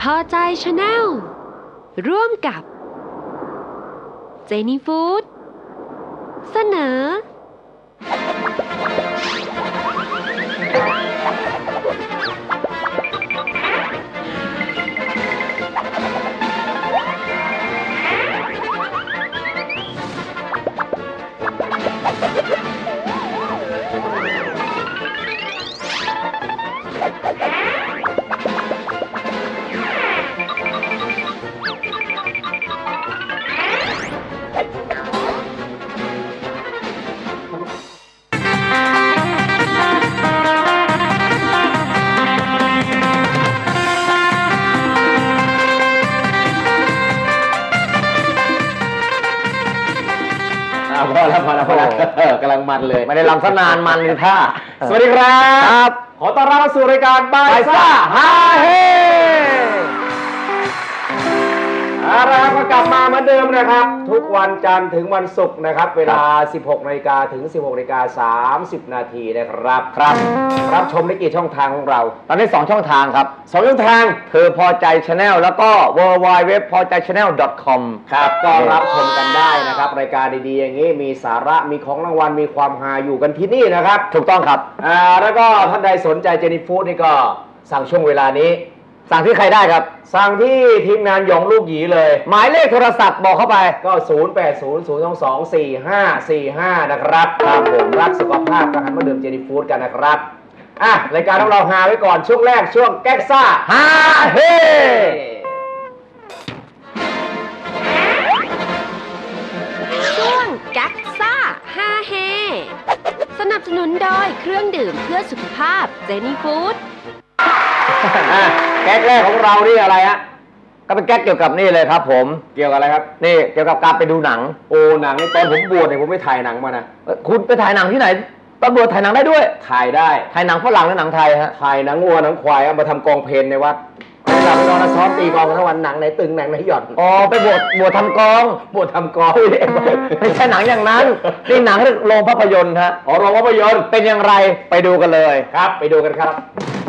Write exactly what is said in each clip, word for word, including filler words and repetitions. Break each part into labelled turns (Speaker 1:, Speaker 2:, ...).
Speaker 1: พอใจชาแนลร่วมกับเจนี่ฟู้ดเสนอ
Speaker 2: พอแล้วพอแล้วพอแล้วกำลังมันเลย
Speaker 3: ไม่ได้ลำซะนานมันเลยท่า
Speaker 2: สวัสดีครับขอต้อนรับสู่รายการบายซ่าฮาเฮเอาละครับก็กลับมาเหมือนเดิมนะครับทุกวันจันทร์ถึงวันศุกร์นะครับเวลา สิบหกนาฬิกา ถึง สิบหกนาฬิกาสามสิบ นาทีนะครับครับรับชมได้กี่ช่องทางของเรา
Speaker 3: ตอนนี้สองช่องทางครับ
Speaker 2: สองช่องทาง
Speaker 3: เธอพอใจ Channel แล้วก็ ดับเบิลยู ดับเบิลยู ดับเบิลยู ดับเบิลยู ดอท พอใจชาแนล ดอท คอม
Speaker 2: ครับก็รับชมกันได้นะครับรายการดีๆอย่างนี้มีสาระมีของรางวัลมีความฮาอยู่กันที่นี่นะครับ
Speaker 3: ถูกต้องครับ
Speaker 2: อ่าแล้วก็ท่านใดสนใจเจนี่ฟู้ดนี่ก็สั่งช่วงเวลานี้
Speaker 3: สั่งที่ใครได้ครับ
Speaker 2: สั่งที่ทีมงานหยองลูกหยีเลย
Speaker 3: หมายเลขโทรศัพท์บอกเข้าไป
Speaker 2: ก็ ศูนย์ แปด ศูนย์ ศูนย์ สอง สอง สี่ ห้า สี่ ห้า นะครับครับผมรักสุขภาพก็หันมาดื่มเจนี่ฟู้ดกันนะครับอ่ะรายการของเราฮาไว้ก่อนช่วงแรกช่วงแก๊กซ่า
Speaker 3: ฮาเฮ
Speaker 1: ช่วงแก๊กซ่าฮาเฮสนับสนุนโดยเครื่องดื่มเพื่อสุขภาพเจนี่ฟู้ด
Speaker 2: แก๊กแรกของเรานี่อะไรฮะ
Speaker 3: ก็เป็นแก๊กเกี่ยวกับนี่เลยครับผม
Speaker 2: เกี่ยวกับอะไรครับ
Speaker 3: นี่เกี่ยวกับการไปดูหนัง
Speaker 2: โอ้หนังในตอนผมบวชเนี่ยผมไปถ่ายหนังมานะ
Speaker 3: คุณไปถ่ายหนังที่ไหนตอนบวชถ่ายหนังได้ด้วย
Speaker 2: ถ่ายได้
Speaker 3: ถ่ายหนังฝรั่งหรือหนังไทยฮะ
Speaker 2: ถ่ายหนังวัวหนังควายเอามาทำกองเพลนในวัดเราไปนอนซ้อมตีกองทั้งวันหนังไหนตึงหนังไหนหย่อน
Speaker 3: อ๋อไปบวชบวชทำกอง
Speaker 2: บวชทำกอง
Speaker 3: ไม่ใช่หนังอย่างนั้นนี่หนังโรงภาพยนตร์ฮะ
Speaker 2: อ๋อโรงภาพยนตร์
Speaker 3: เป็นอย่างไรไปดูกันเลย
Speaker 2: ครับไปดูกันครับ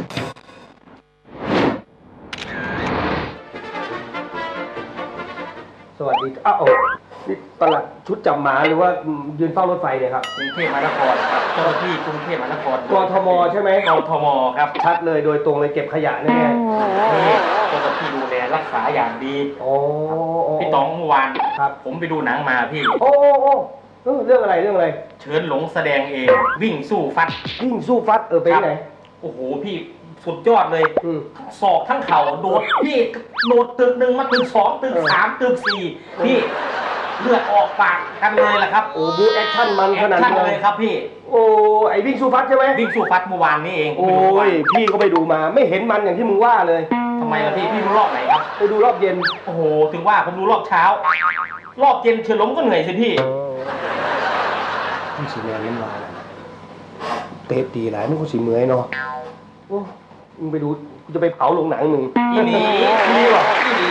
Speaker 2: สวัสดีอ้าวนี่ตลาดชุดจับหมาหรือว่ายืนเฝ้ารถไฟเนี่ยครับ
Speaker 4: กรุงเทพมหานครครับเจ้าหน้าที่กรุงเทพมหานคร
Speaker 2: กทมใช่ไหม
Speaker 4: กทมครับ
Speaker 2: ชัดเลยโดยตรงเลยเก็บขยะแน่
Speaker 4: ๆนี่เจ้าหน้าที่ดูแลรักษาอย่างดี
Speaker 2: โอ้
Speaker 4: พี่ต๋องเมื่อวาน
Speaker 2: ครับ
Speaker 4: ผมไปดูหนังมาพี่
Speaker 2: โอ้โอ้เรื่องอะไรเรื่องอะไร
Speaker 4: เชิญหลงแสดงเองวิ่งสู้ฟัด
Speaker 2: วิ่งสู้ฟัดเออไปไหน
Speaker 4: โอ้โหพี่สุดยอดเลยทั้งศอกทั้งเข่าโดดพี่โดดตึกหนึ่งมาตึกสองตึกสามตึกสี่พี่เลือดออกปากกันเลยล่ะครับ
Speaker 2: โอ้บูแอคชั่นมันขนาด
Speaker 4: นั้นเลยครับพี่
Speaker 2: โอ้ไอวิ่งสู้ฟัดใช่ไหม
Speaker 4: วิ่งสู้ฟัดเมื่อวานนี้เอง
Speaker 2: โอ้ยพี่ก็ไปดูมาไม่เห็นมันอย่างที่มึงว่าเลย
Speaker 4: ทำไมล่ะพี่พี่ดูรอบไหนครับ
Speaker 2: ไปดูรอบเย็น
Speaker 4: โอ้โหถึงว่าผมดูรอบเช้ารอบเย็นเฉลิมก็เหนื่อยสิพี่
Speaker 2: พี่สีแมนเล่นวายเตะตีหลายไม่คุ้นสีเมื่อยเนาะโอ้มึงไปดูกูจะไปเผาโรงหนังมึง
Speaker 4: อีหนี
Speaker 2: อีหนีหรอ
Speaker 4: อีหนี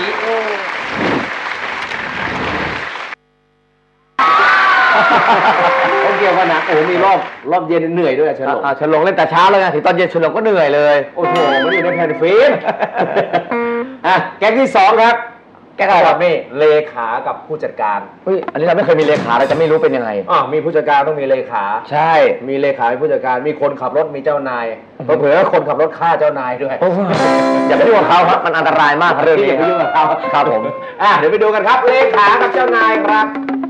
Speaker 2: เขาเกี่ยวกับหนังโอ้มีรอบรอบเย็นเหนื่อยด้วยเฉลิม
Speaker 3: เฉลิมเล่นแต่เช้าเลยไงถึงตอนเย็นเฉลิมก็เหนื่อยเลย
Speaker 2: โอ้โหมันอยู่ในแผ่นฟิล์มอ่ะแก๊กที่สองครับแก๊กอะไรครับนี่เลขากับผู้จัดการ
Speaker 3: เฮ้ยอันนี้เราไม่เคยมีเลขาเราจะไม่รู้เป็นยังไง
Speaker 2: อ๋อมีผู้จัดการต้องมีเลขา
Speaker 3: ใช่
Speaker 2: มีเลขามีผู้จัดการมีคนขับรถมีเจ้านายเผื่อคนขับรถฆ่าเจ้านายด้วย
Speaker 3: อย่าไปยุ่งกับเขาครับมันอันตรายมากเรื่องนี้
Speaker 2: อย่าไปยุ่งกับเขา
Speaker 3: ครับผม
Speaker 2: อ่ะเดี๋ยวไปดูกันครับเลขากับเจ้านายครับ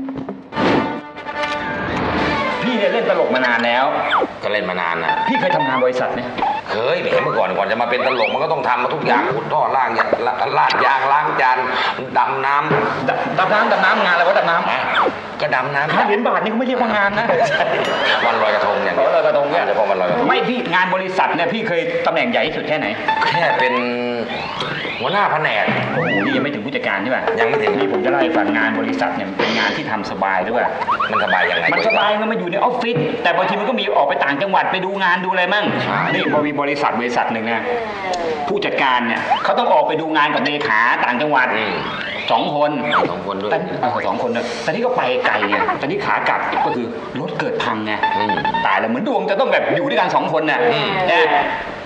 Speaker 5: พี่เนี่ยเล่นตลกมานานแล้ว
Speaker 6: ก็เล่นมานานนะ
Speaker 5: พี่เคยทำงานบริษัทไหม
Speaker 6: เคยแหมเมื่อก่อนก่อนจะมาเป็นตลกมันก็ต้องทำมาทุกอย่างขุดท่อล่างอย่างลาดยางล้างจานดำน้
Speaker 5: ำดำน้ำดำน้ำงานอะไรวะดำน้
Speaker 6: ำก็ดำน้ำ
Speaker 5: ค่าเหรียญบาทนี่เขาไม่เรียกว่างานนะ
Speaker 6: วันลอยกระทงอย่างนี้
Speaker 5: ลอยกระทงเนี่ย
Speaker 6: เฉพาะวันลอยกระทง
Speaker 5: ไม่พี่งานบริษัทเนี่ยพี่เคยตำแหน่งใหญ่ที่สุดแค่ไหน
Speaker 6: แค่เป็นหัวหน้าแผนก
Speaker 5: โอ้โหนี่ยังไม่ถึงผู้จัดการใช่ป่ะ
Speaker 6: ยังไม่ถึง
Speaker 5: นี่ผมจะเล่าให้ฟังงานบริษัทเนี่ยเป็นงานที่ทำสบายหรือเปล่า
Speaker 6: มันสบายยังไง
Speaker 5: มันสบายมันมาอยู่ในออฟฟิศแต่บางทีมันก็มีออกไปต่างจังหวัดไปดูงานดูอะไรมั่งนี่พอมีบริษัทบริษัทหนึ่งนะผู้จัดการเนี่ยเขาต้องออกไปดูงานกับเลขาต่างจังหวัดสองคน
Speaker 6: สองคนด้วย
Speaker 5: สองคนเนี่ยแต่นี่ก็ไปไกลไงแต่นี่ขากลับก็คือรถเกิดพังไงตายแล้วเหมือนดวงจะต้องแบบอยู่ด้วยกันสองคนน่ะ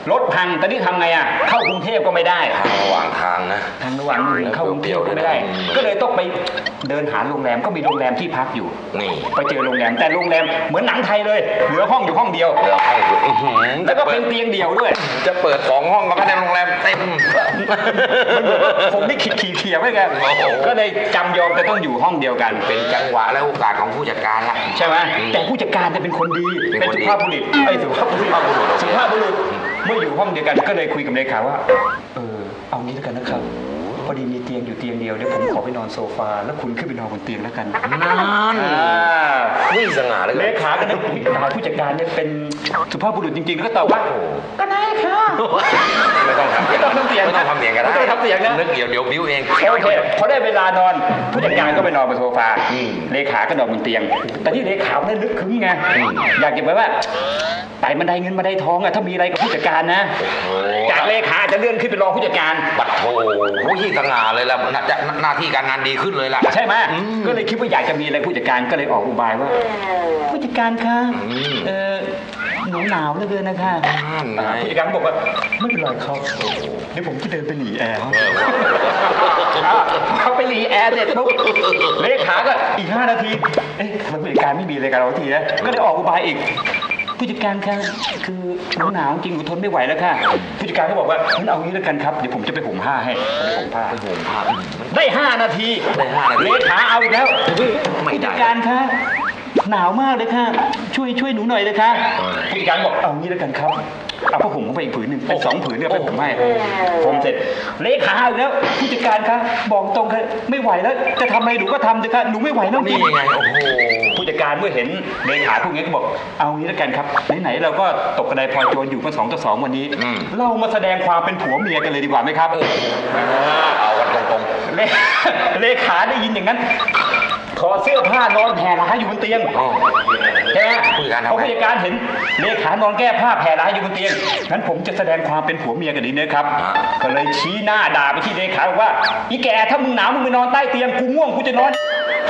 Speaker 5: รถพังตอนนี้ทำไงอ่ะเข้ากรุงเทพก็ไม่ได้
Speaker 6: ทางระหว่างทางนะ
Speaker 5: ทางระหว่างเข้ากรุงเทพก็ไม่ได้ ก็เลยต้องไปเดินหาโรงแรมก็มีโรงแรมที่พักอยู่
Speaker 6: นี่
Speaker 5: ไปเจอโรงแรมแต่โรงแรมเหมือนหนังไทยเลยเหลือห้องอยู่ห้องเดียว
Speaker 6: เหลือห้องอยู่อื้อหือ
Speaker 5: แล้วก็เป็นเตียงเดี่ยวด้วย
Speaker 6: จะเปิดสองห้องก็ไม่ได้โรงแรมเต็ม
Speaker 5: ผมนี่ขีดขีดเขียวไม่กัน
Speaker 6: โอ้โห
Speaker 5: ก็เลยจำยอมจะต้องอยู่ห้องเดียวกัน
Speaker 6: เป็นจังหวะและโอกาสของผู้จัดการละ
Speaker 5: ใช่ไหม
Speaker 6: อืม
Speaker 5: แต่ผู้จัดการจะเป็นคนดี
Speaker 6: เป็น
Speaker 5: เป็น
Speaker 6: คน
Speaker 5: สุ
Speaker 6: ดี
Speaker 5: ภาพบุรุษไอ้ยสุภาพบุรุษ
Speaker 6: สุภาพบุรุษ
Speaker 5: สุภาพบุรุษเมื่ออยู่ห้องเดียวกันก็เลยคุยกับเลขาว่าเออเอางี้แล้วกันนะครับพอดีมีเตียงอยู่เตียงเดียวเดี๋ยวผมขอไปนอนโซฟาแล้วคุณขึ้นไปนอนบนเตียงแล้วกัน
Speaker 6: นั่น
Speaker 5: อ่า
Speaker 6: วิ่งสง่าเลย
Speaker 5: เลขาก็นึกตายผู้จัดการเนี่ยเป็นสุภาพบุรุษจริงๆแล้วก็ตอบว่าก็ได้ค่ะ
Speaker 6: ไม่ต้องทำ
Speaker 5: ไม่ต้องทำเสียง
Speaker 6: ไม่ต้องทำเสียงก็ได้
Speaker 5: ไม่ต้องทำเสียงนะ
Speaker 6: นึกเดี๋ยวเดี๋ยวบิ้วเอง
Speaker 5: โอเคพอได้เวลานอนผู้จัดการก็ไปนอนบนโซฟา
Speaker 6: อืม
Speaker 5: เลขาก็นอนบนเตียง แต่ที่เลขาไม่ได้นึกคึ้งไง
Speaker 6: อืม
Speaker 5: อยากเก็บไว้ว่าไต่บันไดเงินบันไดทองอะถ้ามีอะไรกับผู้จัดการนะ
Speaker 6: โอ้
Speaker 5: จากเลขาจะเลื่อนขึ้นเป็นรองผู้จัดการ
Speaker 6: บัตรโถวิ่งสง่าเลยล่ะน่าจะหน้าที่การงานดีขึ้นเลยล่ะ
Speaker 5: ใช่ไหม
Speaker 6: อืม
Speaker 5: ก็เลยคิดว่าอยากจะมีอะไรผู้จัดการก็เลยออกอุบายว่า ผู้จัดการคะ
Speaker 6: อืม
Speaker 5: เออหนูหนาวเหลือเกินนะคะ
Speaker 6: นั่นไง
Speaker 5: อ่าผู้จัดการบอกว่าไม่เป็นไรครับเดี๋ยวผมจะเดินไปหนีแอร์เขา
Speaker 6: เออ
Speaker 5: เขาไปหนีแอร์เสร็จปุ๊บเลขาก็อีกห้านาทีเอ๊ะทำไมผู้จัดการไม่มีอะไรกับเราทีนะก็เลยออกอุบายอีก ผู้จัดการคะคือหนูหนาวจริงหนูทนไม่ไหวแล้วค่ะผู้จัดการก็บอกว่างั้นเอางี้แล้วกันครับเดี๋ยวผมจะไปห่มผ้าให้ไปห่มผ้า
Speaker 6: ไปห่มผ้า
Speaker 5: ได้ห้านาที
Speaker 6: ได้ห้านาที
Speaker 5: เลขาเอาอีกแล้ว
Speaker 6: ไม่ได้
Speaker 5: ผู้จัดการคะหนาวมากเลยค่ะช่วยช่วยหนูหน่อยเลยค่ะ
Speaker 6: เออ
Speaker 5: ผู้จัดการบอกเอางี้แล้วกันครับเอาผ้าห่มเข้าไปอีกผืนหนึ่งเป็นสองผืนเนี่ยไปห่มให้ห่มเสร็จเลขาเอาอีกแล้วผู้จัดการคะบอกตรงค่ะไม่ไหวแล้วจะทำอะไรหนูก็ทำเถอะค่ะหนูไม่ไหวแล้วจริ
Speaker 6: นี่
Speaker 5: ง
Speaker 6: ไงโอ้โห
Speaker 5: ผู้จัดการเมื่อเห็นเลขาพวกนี้ก็บอกเอางี้แล้วกันครับไหนๆเราก็ตกกระไดพลอยโจรอยู่กันสองต่อสองวันนี้
Speaker 6: อืม
Speaker 5: เรามาแสดงความเป็นผัวเมียกันเลยดีกว่าไหมครับ
Speaker 6: เอากันตรง
Speaker 5: เลเลขาได้ยินอย่างนั้นถอดเสื้อผ้านอนแผ่ร้ายอยู่บนเตียง
Speaker 6: ๆอ๋อ
Speaker 5: ใช่ไหม
Speaker 6: ผู้จัดการทำไง
Speaker 5: พอผู้จัดการเห็นเลขานอนแก้ผ้าแผ่ร้ายอยู่บนเตียงงั้นผมจะแสดงความเป็นผัวเมียกันดีนะครับ
Speaker 6: อ่า
Speaker 5: ก็เลยชี้หน้าด่าไปที่เลขาบอกว่าอีแกถ้ามึงหนาวมึงไปนอนใต้เตียงกูง่วงกูจะนอน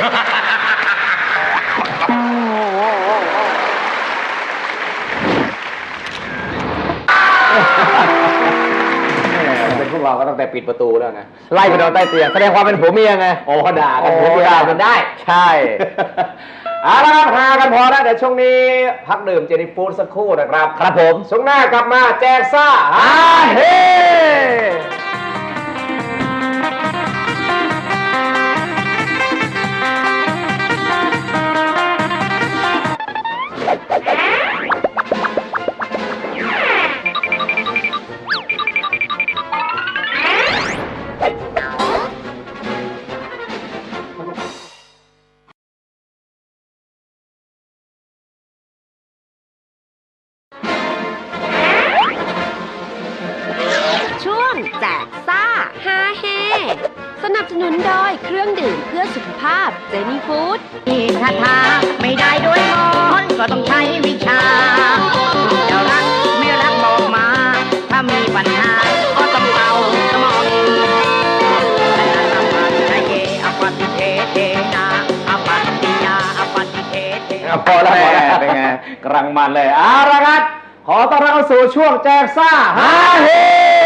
Speaker 2: เป็นพวกเราก็ตั้งแต่ปิดประตูแล้วไง
Speaker 3: ไล่ไปนอนใต้เตียงแสดงความเป็นผัวเมียไง
Speaker 2: โอ้ด่ากัน
Speaker 3: โอ้
Speaker 2: ผัวเมีย
Speaker 3: ด่ากันได้ ใช่
Speaker 2: เอาละครับหากันพอแล้วเดี๋ยวช่วงนี้พักดื่มเจนี่ฟู้ดสักครู่นะครับ
Speaker 3: ครับผม
Speaker 2: ช่วงหน้ากลับมาแจกซ่า
Speaker 3: อาเฮ
Speaker 1: ช่วงแจกซ่าฮาเฮสนับสนุนโดยเครื่องดื่มเพื่อสุขภาพเจนี่ฟู้ด
Speaker 7: คาถาไม่ได้ด้วยมนต์ก็ต้องใช้วิชาจะรักไม่รักบอกมา ถ้ามีปัญหาก็ต้องเอาสมองแต่ละปัจจัยเยอปฏิเทเทนาอปฏิยาอปฏิเทเท
Speaker 2: พอแล้วพอแล้ว
Speaker 3: เป็นไง
Speaker 2: กำลังมันเลยเอาละครับขอต้อนรับเข้าสู่ช่วงแจกซ่าฮาเฮ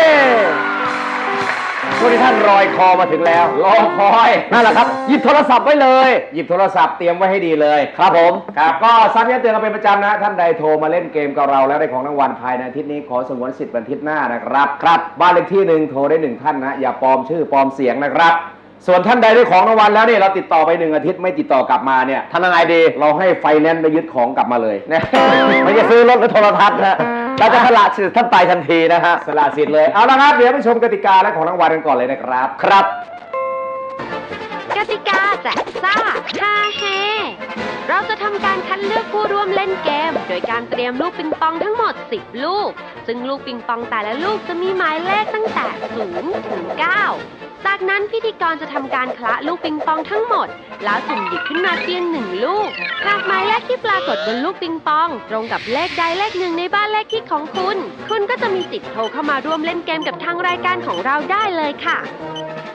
Speaker 3: ช่วงที่ท่านรอยคอมาถึงแล้ว
Speaker 2: รอคอย
Speaker 3: นั่นแหละครับ หยิบโทรศัพท์ไว้เลย
Speaker 2: หยิบโทรศัพท์เตรียมไว้ให้ดีเลย
Speaker 3: ครับผม
Speaker 2: ครับก็ซ้ำย้ำเตือนกันเป็นประจำนะท่านใดโทรมาเล่นเกมกับเราแล้วได้ของรางวัลภายในอาทิตย์นี้ขอสงวนสิทธิ์วันอาทิตย์หน้านะครับครับบ้านเลขที่หนึ่งโทรได้หนึ่งท่านนะอย่าปลอมชื่อปลอมเสียงนะครับ ส่วนท่านใดได้ของรางวัลแล้วเนี่ยเราติดต่อไปหนึ่งอาทิตย์ไม่ติดต่อกลับมาเนี่ย
Speaker 3: ทำยังไงดี
Speaker 2: เราให้ไฟแนนซ์ไปยึดของกลับมาเลยนะ
Speaker 3: ไม่จะซื้อรถหรือโทรทัศน์นะเราจะสละสิทธิ์ท่านไปทันทีนะฮะ
Speaker 2: สละสิทธิ์เลยเอาละครับเดี๋ยวไปชมกติกาและของรางวัลกันก่อนเลยนะครับ
Speaker 3: ครับ
Speaker 1: กติกาแจกซ่าฮาเฮเราจะทำการคัดเลือกผู้ร่วมเล่นเกม โดยการเตรียมลูกปิงปองทั้งหมดสิบลูก ซึ่งลูกปิงปองแต่ละลูกจะมีหมายเลขตั้งแต่ศูนย์ถึงเก้าจากนั้นพิธีกรจะทำการคละลูกปิงปองทั้งหมด แล้วสุ่มหยิบขึ้นมาเพียงหนึ่งลูก หากหมายเลขที่ปรากฏบนลูกปิงปอง ตรงกับเลขใดเลขหนึ่งในบ้านเลขที่ของคุณ คุณก็จะมีสิทธิ์โทรเข้ามาร่วมเล่นเกมกับทางรายการของเราได้เลยค่ะ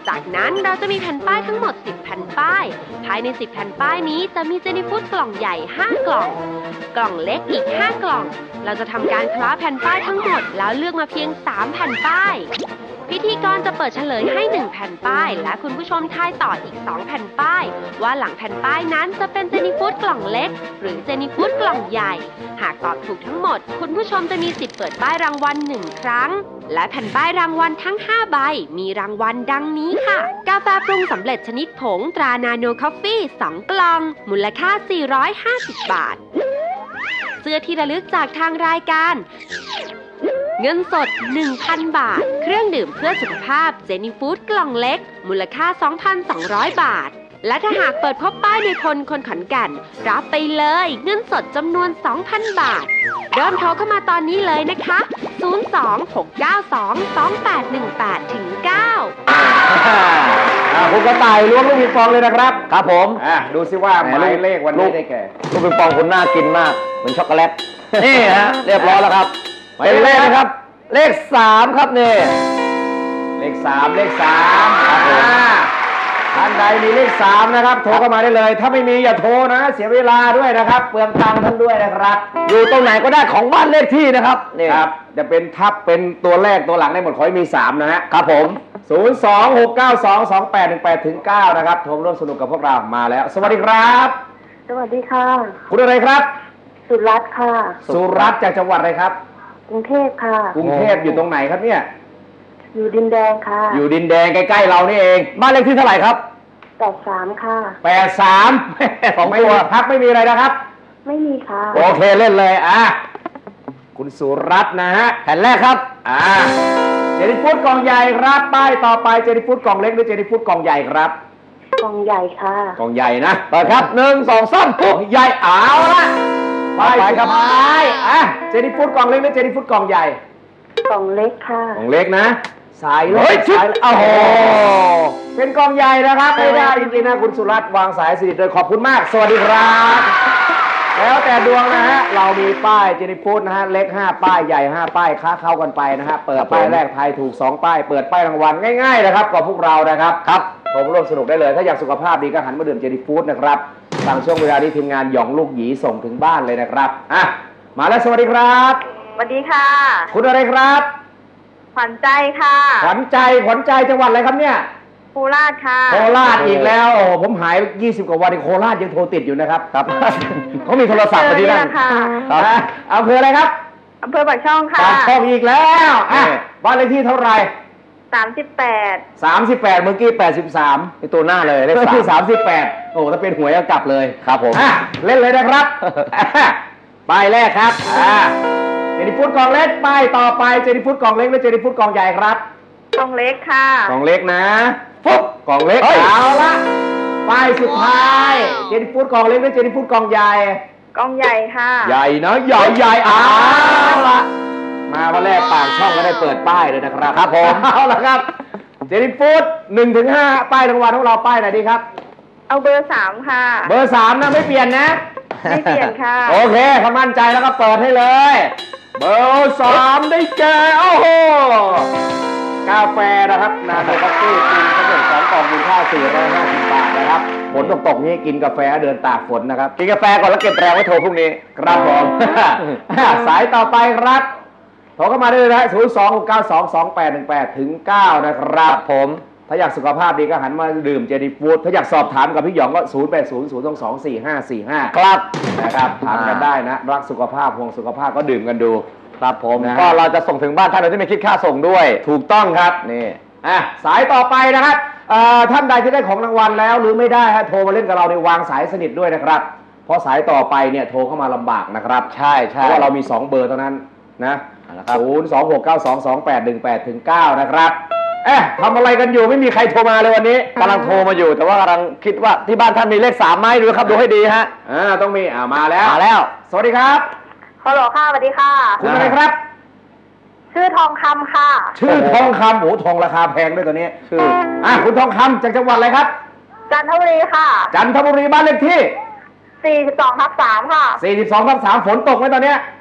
Speaker 1: จากนั้นเราจะมีแผ่นป้ายทั้งหมดสิบแผ่นป้ายภายในสิบแผ่นป้ายนี้จะมีเจนี่ฟู้ดกล่องใหญ่ห้ากล่องกล่องเล็กอีกห้ากล่องเราจะทำการคล้าแผ่นป้ายทั้งหมดแล้วเลือกมาเพียงสามแผ่นป้ายพิธีกรจะเปิดเฉลยให้หนึ่งแผ่นป้ายและคุณผู้ชมทายต่ออีกสองแผ่นป้ายว่าหลังแผ่นป้ายนั้นจะเป็นเจนี่ฟู้ดกล่องเล็กหรือเจนี่ฟู้ดกล่องใหญ่หากตอบถูกทั้งหมดคุณผู้ชมจะมีสิทธิ์เปิดป้ายรางวัลหนึ่งครั้งและแผ่นป้ายรางวัลทั้งห้าใบมีรางวัลดังนี้ค่ะกาแฟปรุงสำเร็จชนิดผงตรานาโนคอฟฟี่สองกล่องมูลค่าสี่ร้อยห้าสิบบาทเสื้อที่ระลึกจากทางรายการเงินสด หนึ่งพัน บาทเครื่องดื่มเพื่อสุขภาพเจนี่ฟู้ดกล่องเล็กมูลค่า สองพันสองร้อย บาทและถ้าหากเปิดพบป้ายในพลคนขอนแก่นรับไปเลยเงินสดจำนวน สองพัน บาทเริ่มโทรเข้ามาตอนนี้เลยนะคะ ศูนย์ สอง หก เก้า สอง สอง แปด หนึ่ง แปด ถึง เก้า
Speaker 2: อ่าคุณกระต่ายล้วงลูกปิงปองเลยนะครับ
Speaker 3: ครับผม
Speaker 2: อ่ะดูซิว่าหมายเลขวันนี้ได้แก่
Speaker 3: ลูกปิงปองคุณน่ากินมากเหมือนช็อกโกแลต นี่ฮะเรียบร้อยแล้วครับเป็นเลขนะครับ เลขสามครับนี่
Speaker 2: เลขสามเลขสามครับผมท่านใดมีเลขสามนะครับโทรเข้ามาได้เลย ถ้าไม่มีอย่าโทรนะเสียเวลาด้วยนะครับเปลืองตังค์ท่านด้วยนะครับ
Speaker 3: อยู่ตรงไหนก็ได้ของบ้านเลขที่นะครับนี่
Speaker 2: ครับจะเป็นทับเป็นตัวแรกตัวหลังได้หมดขอให้มีสามนะฮะ
Speaker 3: ครับผม
Speaker 2: ศูนย์ สอง หก เก้า สอง สอง แปด หนึ่ง แปด ถึง เก้านะครับโทรร่วมสนุกกับพวกเรามาแล้ว สวัสดีครับ
Speaker 8: สวัสดีค่ะ
Speaker 2: คุณอะไรครับ
Speaker 8: สุรัตน์ค่ะ
Speaker 2: สุรัตน์จากจังหวัดอะไรครับ
Speaker 8: กรุงเทพค่ะ
Speaker 2: กรุงเทพอยู่ตรงไหนครับเนี่ย
Speaker 8: อยู่ดินแดงค่ะ
Speaker 2: อยู่ดินแดงใกล้ๆเรานี่เอง
Speaker 3: บ้านเลขที่เท่าไหร่ครับ
Speaker 8: แปดสามค่ะ
Speaker 2: แปดสาม
Speaker 3: สอง
Speaker 2: ไม่
Speaker 3: ตัว
Speaker 2: มีพักไม่มีอะไรนะครับ
Speaker 8: ไม่มีค่ะ
Speaker 2: โอเคเล่นเลยอ่ะคุณสุรัตน์นะฮะ
Speaker 3: แผ่นแรกครับ
Speaker 2: อ่าเจนิฟูดกล่องใหญ่ครับป้ายต่อไปเจนิฟูดกล่องเล็กหรือเจนิฟูดกล่องใหญ่ครับ
Speaker 8: กล่องใหญ่ค่ะ
Speaker 2: กล่องใหญ่นะ
Speaker 3: เปิดครับหนึ่งสองสาม
Speaker 2: กล่
Speaker 3: ปุ๊
Speaker 2: อบ งใหญ่เอาละป้าย
Speaker 3: ไป
Speaker 2: สุด
Speaker 3: ครับ
Speaker 2: ท้ายอ่ะเจนิฟูดกล่องเล็กหรือเจนิฟูดกล่องใหญ่
Speaker 8: กล่องเล็กค่ะ
Speaker 2: กล่องเล็กนะสายเล็
Speaker 3: เฮ้ย
Speaker 2: ก
Speaker 3: ชิบ
Speaker 2: สายเล็ก
Speaker 3: โอ้โห
Speaker 2: เป็นกล่องใหญ่นะครับไม่ได้จริงๆนะคุณสุรัตน์วางสายสนิทเลยขอบคุณมาก สวัสดีครับแล้วแต่ดวงนะฮะเรามีป้ายเจนิฟูดนะฮะเล็กห้าป้ายใหญ่ห้าป้ายค้าเข้ากันไปนะฮะเปิดป้ายแรกทายถูกสองป้ายเปิดป้ายรางวัลง่ายๆนะครับกับพวกเรานะครับครับผมร่วมสนุกได้เลยถ้าอยากสุขภาพดีก็หันมาดื่มเจนิฟูดนะครับสั่งช่วงเวลาที่ทีมงานหยองลูกหยีส่งถึงบ้านเลยนะครับอ่ะมาแล้วสวัสดีครับ
Speaker 8: สวัสดีค่ะ
Speaker 2: คุณอะไรครับ
Speaker 8: ขวัญใจค่ะ
Speaker 2: ขวัญใจขวัญใจจังหวัดอะไรครับเนี่ย
Speaker 8: โคราชค่ะ
Speaker 2: โคราชอีกแล้วโอ้โหผมหายยี่สิบกว่าวันในโคราชยังโทรติดอยู่นะครับครับ เขามีโทรศัพท์มาที่นั่น
Speaker 8: ค่ะ
Speaker 2: ครับอ่ะอำเภออะไรครับ
Speaker 8: อำเภอปากช่องค่ะ
Speaker 2: ปากช่องอีกแล้วอ่ะบ้านเลขที่เท่าไหร่
Speaker 8: สามสิบแปด
Speaker 2: สามสิบแปดเมื่อกี้แปดสิบสาม
Speaker 3: ในตัวหน้าเลยเลข
Speaker 2: เลข
Speaker 3: สาม
Speaker 2: ที่สามสิบแปดโอ้ถ้าเป็นหวยก็กลับเลย
Speaker 3: ครับผม
Speaker 2: อ่ะเล่นเลยนะครับ ป้ายแรกครับอ่าเจนิฟูดกล่องเล็กป้ายต่อไปเจนิฟูดกล่องเล็กหรือเจนิฟูดกล่องใหญ่ครับ
Speaker 8: กล่องเล็กค่ะ
Speaker 2: กล่องเล็กนะปุ๊บกล่องเล็ก
Speaker 3: เฮ้ย
Speaker 2: เอาละป้ายสุดท้ายเจนิฟูดกล่องเล็กหรือเจนิฟูดกล่องใหญ่
Speaker 8: กล่องใหญ่ค่ะ
Speaker 2: ใหญ่นะใหญ่ใหญ่เอาละมาวันแรกปากช่องก็ได้เปิดป้ายเลยนะครับครับผมเอาละครับเจนิฟูดหนึ่งถึงห้าป้ายรางวัลของเราป้ายไหนดีครับ
Speaker 8: เอาเบอร์สามค่ะ
Speaker 2: เบอร์สามนะไม่เปลี่ยนนะ
Speaker 8: ไม่เปลี่ยนค่ะ
Speaker 2: โอเคถ้ามั่นใจแล้วก็เปิดให้เลย เบอร์สามได้แก่โอ้โหกาแฟนะครับนาโนคอฟฟี่กินสำเร็จสองกล่องมูลค่าสี่ร้อยห้าสิบบาทนะครับฝนตกๆนี้กินกาแฟเดินตากฝนนะครับ
Speaker 3: กินกาแฟก่อนแล้วเก็บแรงไว้โทรพรุ่งนี้
Speaker 2: ครับผม สายต่อไปครับโทรเข้ามาได้เลยนะศูนย์ สอง หก เก้า สอง สอง แปด หนึ่ง แปด ถึง เก้า นะครับผม ถ้าอยากสุขภาพดีก็หันมาดื่มเจนิฟูดถ้าอยากสอบถามกับพี่หยองก็ ศูนย์ แปด ศูนย์ ศูนย์ สอง สอง สี่ ห้า สี่ ห้า ครับนะครับถามกันได้นะ รักสุขภาพห่วงสุขภาพก็ดื่มกันดู
Speaker 3: ครับผม
Speaker 2: นะฮะ
Speaker 3: ก็เราจะส่งถึงบ้านท่านโดยที่ไม่คิดค่าส่งด้วย
Speaker 2: ถูกต้องครับ
Speaker 3: นี่
Speaker 2: อ่ะสายต่อไปนะครับเอ่อท่านใดที่ได้ของรางวัลแล้วหรือไม่ได้ฮะโทรมาเล่นกับเราในวางสายสนิทด้วยนะครับ เพราะสายต่อไปเนี่ยโทรเข้ามาลำบากนะครับ
Speaker 3: ใช่ใช่
Speaker 2: เพราะว่าเรามีสองเบอร์เท่านั้นนะ
Speaker 3: เอาละครับ
Speaker 2: ศูนย์ สอง หก เก้า สอง สอง แปด หนึ่ง แปด ถึง เก้า นะครับ เอ๊ะทำอะไรกันอยู่ไม่มีใครโทรมาเลยวันนี้
Speaker 3: กำลังโทรมาอยู่ แต่ว่ากำลังคิดว่าที่บ้านท่านมีเลขสามไหมดูครับดูให้ดีฮะ
Speaker 2: อ่าต้องมีอ่ามาแล้ว
Speaker 3: มาแล้ว
Speaker 2: สวัสดีครับ
Speaker 8: ฮัลโหลค่ะ สวัสดีค่ะ
Speaker 2: คุณอะไรครับ
Speaker 8: ชื่อทองคำค่ะ
Speaker 2: ชื่อทองคำโอ้โหทองราคาแพงด้วยตัวนี้
Speaker 3: ชื่อ
Speaker 2: อ่ะคุณทองคำจากจังหวัดอะไรครับ
Speaker 8: จันทบุรีค่ะ
Speaker 2: จันทบุรีบ้านเลขที่
Speaker 8: สี่สิบสองทับสามค่ะ
Speaker 2: สี่สิบสองทับสามฝนตกไหมตอนเนี้ย
Speaker 8: ต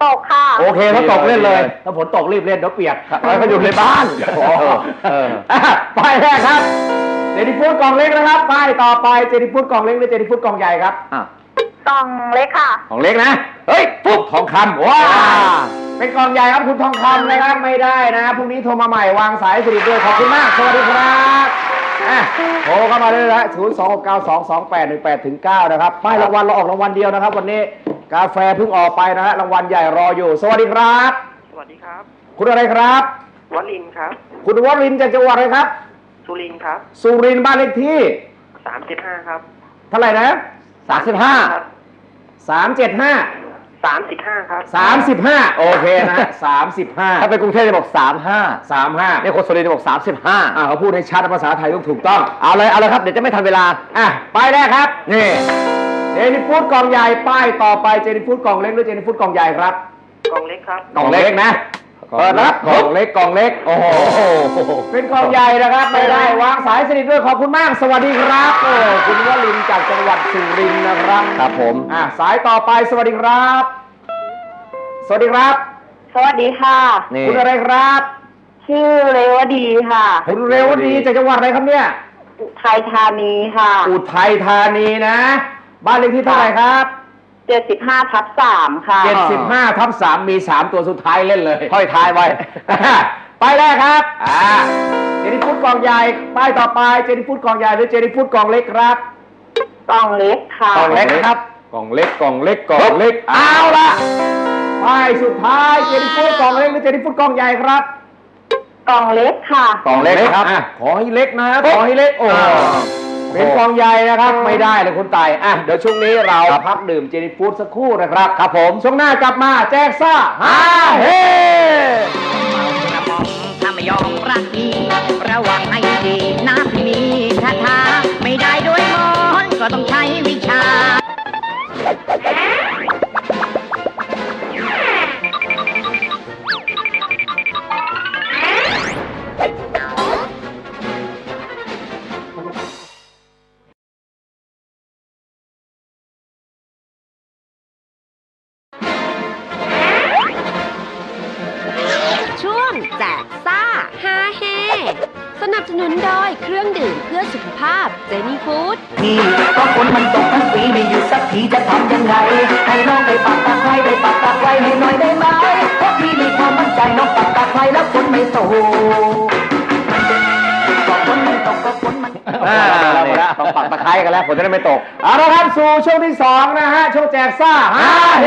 Speaker 8: ตกค่ะ
Speaker 2: โอเคถ้าตกเล่นเลยถ้าฝนตกรีบเล่นเดี๋ยวเปียกแล้วก็อยู่ในบ้านป้ายแรกครับเจนิฟูดกล่องเล็กนะครับป้ายต่อไปเจนิฟูดกล่องเล็กหรือเจนิฟูดกล่องใหญ่ครับ
Speaker 8: กล่องเล็กค่ะ
Speaker 2: กล่องเล็กนะเฮ้ยปุ๊บทองคำว้าเป็นกล่องใหญ่ครับคุณทองคำนะครับไม่ได้นะพรุ่งนี้โทรมาใหม่วางสายสนิทด้วยขอบคุณมากสวัสดีครับโทรเข้ามาเลยนะศูนย์ สอง หก เก้า สอง สอง แปด หนึ่ง แปด ถึง เก้านะครับป้ายรางวัลเราออกรางวัลเดียวนะครับวันนี้กาแฟเพิ่งออกไปนะฮะรางวัลใหญ่รออยู่สวัสดีครับ
Speaker 9: สวัสดีครับ
Speaker 2: คุณอะไรครับ
Speaker 9: วลินครับ
Speaker 2: คุณวรินทร์จากจังหวัดอะไรครับ
Speaker 9: สุรินทร์ครับ
Speaker 2: สุรินทร์บ้านเลขที่
Speaker 9: สามสิบห้าครับ
Speaker 2: เท่าไหร่นะสามสิบห้าสามเจ็ดห้า
Speaker 9: สามสิบห้าครับ
Speaker 2: สามสิบห้าโอเคนะสามสิบห้าถ้าเป็นกรุงเทพจะบอกสามห้าสามห้านี่คนสุรินทร์จะบอกสามสิบห้าอ่าเขาพูดให้ชัดภาษาไทยต้องถูกต้องเอาเลยเอาเลยครับเดี๋ยวจะไม่ทันเวลาอ่ะป้ายแรกครับนี่เจนิฟูดกล่องใหญ่ป้ายต่อไปเจนิฟูดกล่องเล็กหรือเจนิฟูดกล่องใหญ่ครับ
Speaker 9: กล่องเล็กครับ
Speaker 2: กล่องเล็กนะเปิดรับกล่องเล็กกล่องเล็กโอ้โหเป็นกล่องใหญ่นะครับไม่ได้วางสายสนิทด้วยขอบคุณมากสวัสดีครับโอ้คุณวลินทร์จากจังหวัดสุรินทร์นะครับครับผมอ่ะสายต่อไปสวัสดีครับสวัสดีครับ
Speaker 8: สวัสดีค่ะ
Speaker 2: คุณอะไรครับ
Speaker 8: ชื่อเรวดีค่ะ
Speaker 2: คุณเรวดีจากจังหวัดอะไรครับเนี่ย
Speaker 8: อุทัยธานีค่ะ
Speaker 2: อุทัยธานีนะบ้านเลขที่เท่าไหร่ครับ
Speaker 8: เจ็ดสิบห้าทับสามค่ะ
Speaker 2: เจ็ดสิบห้าทับสามมีสามตัวสุดท้ายเล่นเลยค่อยท้ายไว้ป้ายแรกครับอ่าเจนิฟูดกล่องใหญ่ป้ายต่อไปเจนิฟูดกล่องใหญ่หรือเจนิฟูดกล่องเล็กครับ
Speaker 8: กล่องเล็กค่ะ
Speaker 2: กล่องเล็กครับกล่องเล็กกล่องเล็กกล่องเล็กเอาละป้ายสุดท้ายเจนิฟูดกล่องเล็กหรือเจนิฟูดกล่องใหญ่ครับ
Speaker 8: กล่องเล็กค่ะ
Speaker 2: กล่องเล็กครับขอให้เล็กนะขอให้เล็กโอ้เป็นกล่องใหญ่นะครับไม่ได้เลยคุณไต่อ่ะเดี๋ยวช่วงนี้เราพักดื่มเจนิฟูดสักครู่นะครับครับผมช่วงหน้ากลับมาแจกซ่าฮาเฮ
Speaker 7: ถ้าไม่ยอมรักพี่ระวังให้ดีนะมีคาถาไม่ได้ด้วยมนต์ก็ต้องใช้วิชา
Speaker 1: แจกซ่าฮาเฮสนับสนุนโดยเครื่องดื่มเพื่อสุขภาพเจนี่ฟู้ด
Speaker 7: พี่ก็ฝนมันตกทั้งปีไม่หยุดสักทีจะทำยังไงให้น้องได้ปักตะไคร้ได้ปักตะไคร้ให้หน่อยได้ไหมเพราะพี่มีความมั่นใจน้องปักตะไคร้แล้วฝนไม่ตกก็ฝนมันตกก็ฝนมัน
Speaker 2: อ่าเนี่ยต้องปักตะไคร้กันแล้วฝนจะได้ไม่ตกเอาละครับสู่ช่วงที่สองนะฮะช่วงแจกซ่าฮาเฮ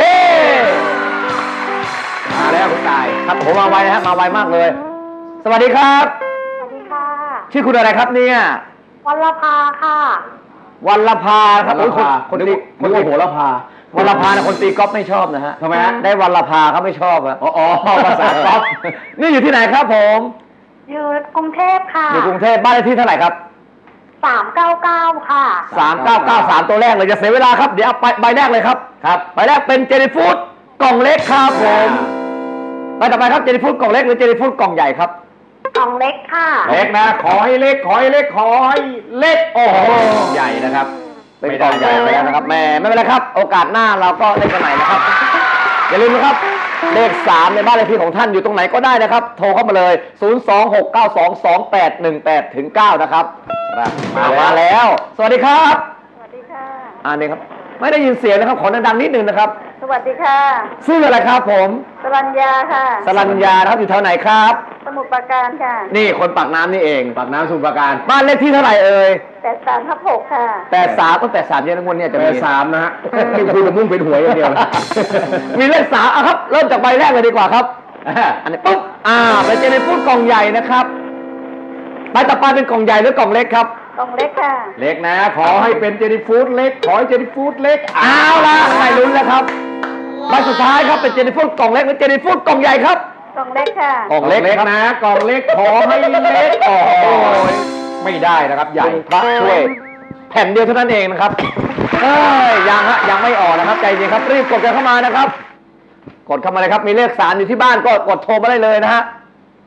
Speaker 2: มาแล้วคุณตายครับผมมาไวนะฮะมาไวมากเลยสวัสดีครับ
Speaker 8: สวัสดีค่ะ
Speaker 2: ชื่อคุณอะไรครับเนี่ย
Speaker 8: วัลภาค่ะ
Speaker 2: วัลภาครับคนคนตีคนตีโหระพาวัลภาเนี่ยคนตีก๊อฟไม่ชอบนะฮะทำไมฮะได้วัลภาเขาไม่ชอบอะอ๋อภาษาก๊อฟนี่อยู่ที่ไหนครับผม
Speaker 8: อยู่กรุงเทพค่ะ
Speaker 2: อยู่กรุงเทพบ้านเลขที่เท่าไหร่ครับ
Speaker 8: สามเก้าเก้าค่ะ
Speaker 2: สามเก้าเก้าสามตัวแรกเลยจะเสียเวลาครับเดี๋ยวเอาไปใบแรกเลยครับครับใบแรกเป็นเจนิฟูดกล่องเล็กครับผมไปต่อไปครับเจนิฟูดกล่องเล็กหรือเจนิฟูดกล่องใหญ่ครับ
Speaker 8: กล่องเล็กค่ะ
Speaker 2: เล็กนะขอให้เล็กขอให้เล็กขอให้เล็กโอ้โหใหญ่นะครับเป็นกล่องใหญ่ไปแล้วนะครับแม่ไม่เป็นไรครับโอกาสหน้าเราก็เล่นกันใหม่นะครับอย่าลืมนะครับเลขสามในบ้านเลขที่ของท่านอยู่ตรงไหนก็ได้นะครับโทรเข้ามาเลยศูนย์ สอง หก เก้า สอง สอง แปด หนึ่ง แปด ถึง เก้านะครับมาแล้วสวัสดีครับ
Speaker 8: สวัสดีค่ะ
Speaker 2: อ่านี่ครับไม่ได้ยินเสียงนะครับขอดังๆนิดนึงนะครับ
Speaker 8: สวัสดีค่ะ
Speaker 2: ชื่ออะไรครับผม
Speaker 8: สรัญญาค่ะ
Speaker 2: สรัญญาครับอยู่แถวไหนครับ
Speaker 8: สมุทรปราการค่ะ
Speaker 2: นี่คนปากน้ำนี่เองปากน้ำสมุทรปราการบ้านเลขที่เท่าไหร่เอ่ย
Speaker 8: แปดสามทับหกค่ะ
Speaker 2: แปดสามก็แปดสามเยอะนะวันนี้จะมีสามนะฮะไม่คุณจะมุ่งเป็นหวยอย่างเดียวมีเลขสามอ่ะครับเริ่มจากใบแรกเลยดีกว่าครับอันนี้ปุ๊บอ่าเป็นเจนิฟูดกล่องใหญ่นะครับใบต่อไปเป็นกล่องใหญ่หรือกล่องเล็กครับ
Speaker 8: กล่องเล็กค่ะ
Speaker 2: เล็กนะขอให้เป็นเจนิฟูดเล็กขอให้เจนิฟูดเล็กเอาละไม่ลุ้นแล้วครับใบสุดท้ายครับเป็นเจนิฟูดกล่องเล็กหรือเจนิฟูดกล่องใหญ่ครับ
Speaker 8: กล่องเล็กค่ะ
Speaker 2: กล่องเล็กนะกล่องเล็กขอให้เล็กโอ้ยไม่ได้นะครับใหญ่พระช่วยแผ่นเดียวเท่านั้นเองนะครับเอ้ยยังฮะยังไม่ออกนะครับใจเย็นครับรีบกดกันเข้ามานะครับกดเข้ามาเลยครับมีเลขสามอยู่ที่บ้านก็กดโทรมาได้เลยนะฮะ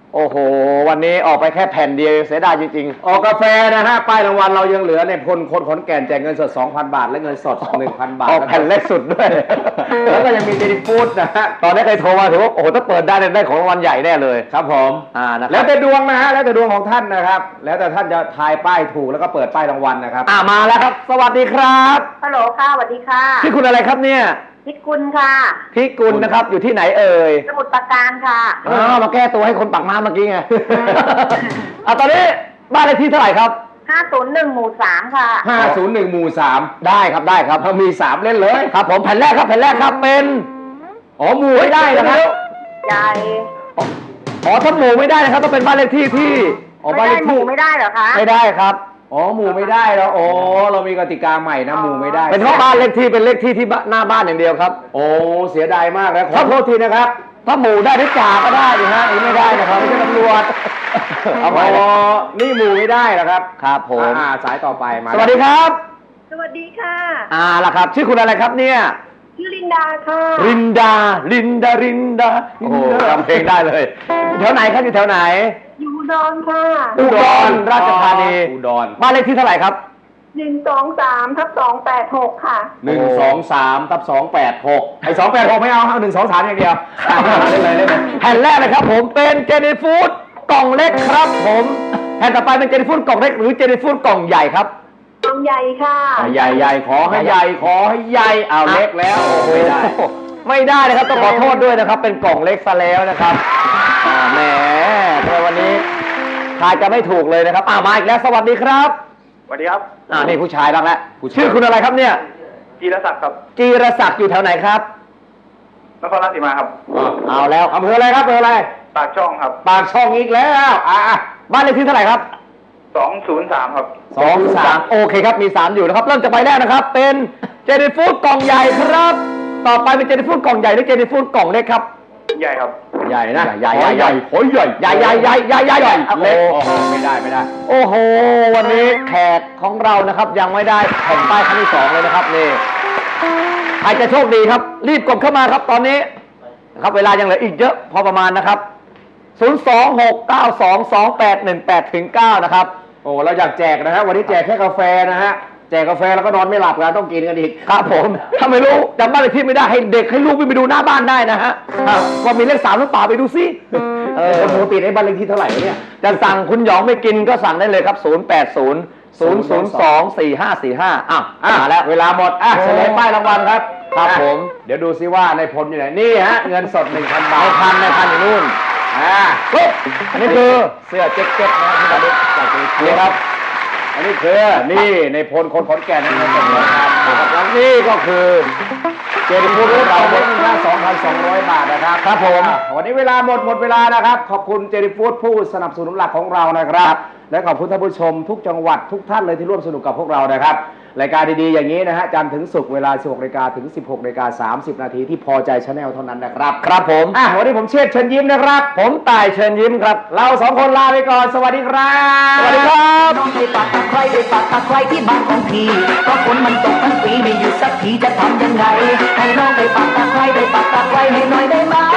Speaker 3: โอ้โห วันนี้ออกไปแค่แผ่นเดียวเสียดายจริง
Speaker 2: ออกกาแฟนะฮะป้ายรางวัลเรายังเหลือในพลคนขอนแก่นแจกเงินสด สองพัน บาท และเงินสด หนึ่งพัน บาท
Speaker 3: ออกแผ่นเล็กสุดด้วย
Speaker 2: แล้วก็ยังมีเจนิฟูดนะฮะ
Speaker 3: ตอนนี้เคยโทรมาถือว่าโอ้โหถ้าเปิดได้เนี่ยได้ของรางวัลใหญ่แน่เลย
Speaker 2: ครับผม
Speaker 3: อ่านะครับ
Speaker 2: แล้วแต่ดวงนะฮะแล้วแต่ดวงของท่านนะครับ แล้วแต่ท่านจะทายป้ายถูกแล้วก็เปิดป้ายรางวัลนะครับ
Speaker 3: อ่ามาแล้วครับ สวัสดีครับ
Speaker 8: ฮัลโหลค่ะสวัสดีค่ะ
Speaker 3: ที่คุณอะไรครับเนี่ย
Speaker 8: พิกุลค่ะ
Speaker 3: พี่กุลนะครับอยู่ที่ไหนเอ่ย
Speaker 8: สมุทรปราการค่ะ
Speaker 3: อ๋อมาแก้ตัวให้คนปากน้ำเมื่อกี้ไง อ่ะตอนนี้บ้านเลขที่เท่าไหร่ครับ
Speaker 8: ห้าศูนย์หนึ่งหมู่สามค่ะ
Speaker 2: ห้าศูนย์หนึ่ง หมู่สาม
Speaker 3: ได้ครับได้ครับ
Speaker 2: ถ้ามีสามเล่นเลย
Speaker 3: ครับผมแผ่นแรกครับแผ่นแรกครับเป็นอ๋อหมู่ไม่ได้นะครับ
Speaker 8: ใหญ่
Speaker 3: อ๋อถ้าหมู่ไม่ได้นะครับต้องเป็นบ้านเลขที่ที่อ๋อ
Speaker 8: ไม่
Speaker 3: บ้านเล
Speaker 8: ได้
Speaker 3: ข
Speaker 8: ห
Speaker 3: ที่
Speaker 8: มู่ไม่ได้เหรอคะ
Speaker 3: ไม่ได้ครับ
Speaker 2: อ๋อหมู่ไม่ได้แล้วโอ้เรามีกติกาใหม่นะหมู่ไม่ได้
Speaker 3: เป็นเพราะบ้านเลขที่เป็นเลขที่ที่บ้านหน้าบ้านอย่างเดียวครับ
Speaker 2: โอ้เสียดายมากแล้วขอโทษทีนะครับ
Speaker 3: ถ้าหมู่ได้ที่จ่าก็ได้ดิฮะอันนี้ไม่ได้นะครับไม่ใช่ตำรวจ เอาใหม่
Speaker 2: อ๋อนี่หมู่ไม่ได้เหรอครับ
Speaker 3: ครับผม
Speaker 2: อ่าสายต่อไปมา
Speaker 3: สวัสดีครับ
Speaker 8: สวัสดีค่ะ
Speaker 3: อ่าล่ะครับ ชื่อคุณอะไรครับเนี่ย
Speaker 8: ชื่อลินดาค่ะ
Speaker 3: รินดา รินดา รินดา โอ้โหจำเพลงได้เลยอยู่แถวไหนครับอยู่แถวไหน
Speaker 8: อยู่อุดอนค่ะ
Speaker 3: อุดรราชธานี
Speaker 2: อุดร
Speaker 3: บ้านเลขที่เท่าไหร่ครับ
Speaker 8: หนึ่งสองสามทับสองแปดหกค่ะ
Speaker 2: หนึ่งสองสามทับสองแปดหกไอ้สองแปดหกไม่เอาเอาหนึ่งสองสามอย่างเดียวอ่ะเล่นเลยเล่นเลย
Speaker 3: แผ่นแรกนะครับผมเป็นเจนี่ฟู้ดกล่องเล็กครับผมแผ่นต่อไปเป็นเจนี่ฟู้ดกล่องเล็กหรือเจนี่ฟู้ดกล่องใหญ่ครับ
Speaker 8: กองใหญ่ค่ะ
Speaker 2: ใหญ่ใหญ่ขอให้ใหญ่ขอให้ใหญ่เอาเล็กแล้วโอ้ไม่ได้
Speaker 3: ไม่ได้นะครับต้องขอโทษด้วยนะครับ เป็นกล่องเล็กซะแล้วนะครับอ่าแหมทำไมวันนี้ทายจะไม่ถูกเลยนะครับอ่ามาอีกแล้วสวัสดีครับ
Speaker 9: สวัสดีครับ
Speaker 3: อ่านี่ผู้ชายบ้างแล้วชื่อคุณอะไรครับเนี่ย
Speaker 9: จีรศักดิ์ครับ
Speaker 3: จีรศักดิ์อยู่แถวไหนครับ
Speaker 9: นครราชสีมาครับ
Speaker 3: เอาแล้ว
Speaker 2: อำเภออะไรครับอำเภออะไร
Speaker 9: ปากช่องครับ
Speaker 2: ปากช่องอีกแล้วอ่ะ
Speaker 3: บ้านเลขที่เท่าไหร่ครับ
Speaker 9: สองศูนย์สามครับ
Speaker 3: สองสามโอเคครับมีสามอยู่นะครับเริ่มจากใบแรกนะครับ เป็นเจนี่ฟู้ดกล่องใหญ่ครับ ต่อไปเป็นเจนี่ฟู้ดกล่องใหญ่หรือเจนี่ฟู้ดกล่องเล็กครับ
Speaker 9: ใหญ่ครับ
Speaker 2: ใหญ่นะ
Speaker 3: ใหญ่ใหญ่ใหญ่
Speaker 2: โอ้ยใหญ่
Speaker 3: ใหญ่ใหญ่ใหญ่ใหญ่ใหญ่ใหญ่
Speaker 2: เล็กโอ้โหไม่ได้ไม่ได้
Speaker 3: โอ้โหวันนี้แขกของเรานะครับยังไม่ได้แผ่นป้ายครั้งที่สองเลยนะครับนี่ใครจะโชคดีครับ รีบกดเข้ามาครับตอนนี้นะครับเวลายังเหลืออีกเยอะพอประมาณนะครับศูนย์ สอง หก เก้า สอง สอง แปด หนึ่ง แปด ถึง เก้านะครับ
Speaker 2: โอ้เราอยากแจกนะฮะวันนี้แจกแค่กาแฟนะฮะแจกกาแฟแล้วก็นอนไม่หลับกันต้องกินกันอีก
Speaker 3: ครับผมถ้าไม่รู้จำบ้านเลขที่ไม่ได้ให้เด็กให้ลูกวิ่งไปดูหน้าบ้านได้นะฮะครับว่ามีเลขสามหรือเปล่าไปดูซิเออ
Speaker 2: ปกติไอ้บ้านเลขที่เท่าไหร่วะเนี่ย
Speaker 3: จะสั่งคุณหยองไม่กินก็สั่งได้เลยครับ ศูนย์ แปด ศูนย์ ศูนย์ ศูนย์ สอง สี่ ห้า สี่ ห้า อ้าว
Speaker 2: อ่ะ
Speaker 3: มาแล้ว
Speaker 2: เวลาหมดอ่ะเฉลยป้ายรางวัลครับ
Speaker 3: ครับ
Speaker 2: อ่ะ
Speaker 3: ผม
Speaker 2: เดี๋ยวดูซิว่าในพลอยู่ไหนนี่ฮะเงินสดหนึ่งพันบาท
Speaker 3: ในพันในพันอยู่นู่น
Speaker 2: อ่า
Speaker 3: ปุ๊บอันนี้คือ
Speaker 2: เสื้อแจ็คเก็ตนะที่เราได้จากเจนิฟู
Speaker 3: นี่
Speaker 2: ด
Speaker 3: ครับ
Speaker 2: อันนี้คือนี่ในพลคนขอนแก่นนะครับผมครับ
Speaker 3: แล้วนี่ก็คือ
Speaker 2: เจนิฟูดของเราเป็นค่าสองพันสองร้อยบาทนะครับ
Speaker 3: ครับผม
Speaker 2: อ่ะวันนี้เวลาหมดหมดเวลานะครับ ขอบคุณเจนิฟูดผู้สนับสนุนหลักของเรานะครับ และขอบคุณท่านผู้ชมทุกจังหวัดทุกท่านเลยที่ร่วมสนุกกับพวกเรานะครับรายการดีๆอย่างนี้นะฮะจันทร์ถึงศุกร์เวลา สิบหกนาฬิกาถึง สิบหกนาฬิกาสามสิบนาทีที่พอใจชาแนลเท่านั้นนะครับ
Speaker 3: ครับผม
Speaker 2: อ่ะวันนี้ผมเชษฐ์เชิญยิ้มนะครับ
Speaker 3: ผมตายเชิญยิ้มครับ
Speaker 2: เราสองคนลาไปก่อนสวัสดีครับ
Speaker 3: สวัสดีครับ
Speaker 7: น้องไปปักตะไคร้ไปปักตะไคร้ที่บ้านของพี่เพราะฝนมันตกทั้งปีไม่หยุดสักทีจะทำยังไง ให้น้องไปปักตะไคร้ไปปักตะไคร้ให้หน่อยได้ไหม